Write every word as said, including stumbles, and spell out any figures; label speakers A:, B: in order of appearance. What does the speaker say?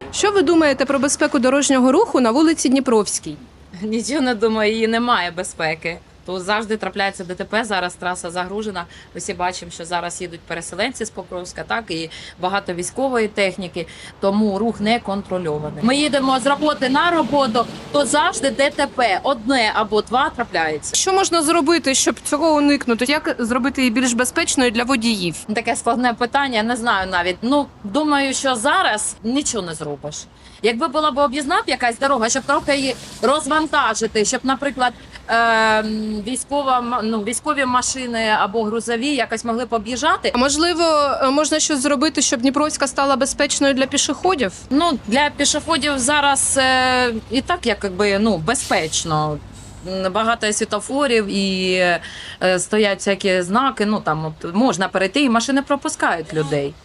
A: Що ви думаєте про безпеку дорожнього руху на вулиці Дніпровській?
B: Нічого не думаю, її немає безпеки. Тут завжди трапляється ДТП, зараз траса загружена. Ми всі бачимо, що зараз їдуть переселенці з Покровська, так, і багато військової техніки, тому рух не контрольований. Ми їдемо з роботи на роботу, то завжди ДТП одне або два трапляється.
A: Що можна зробити, щоб цього уникнути? Як зробити її більш безпечною для водіїв?
B: Таке складне питання, не знаю навіть. Ну, думаю, що зараз нічого не зробиш. Якби була б об'їзна якась дорога, щоб трохи її розвантажити, щоб, наприклад, е військова, м- ну, військові машини або грузові якось могли б об'їжджати.
A: А можливо, можна щось зробити, щоб Дніпровська стала безпечною для пішоходів?
B: Ну, для пішоходів зараз е і так якби, ну, безпечно. М, Багато світофорів і е, стоять всякі знаки, ну там от, можна перейти, і машини пропускають людей.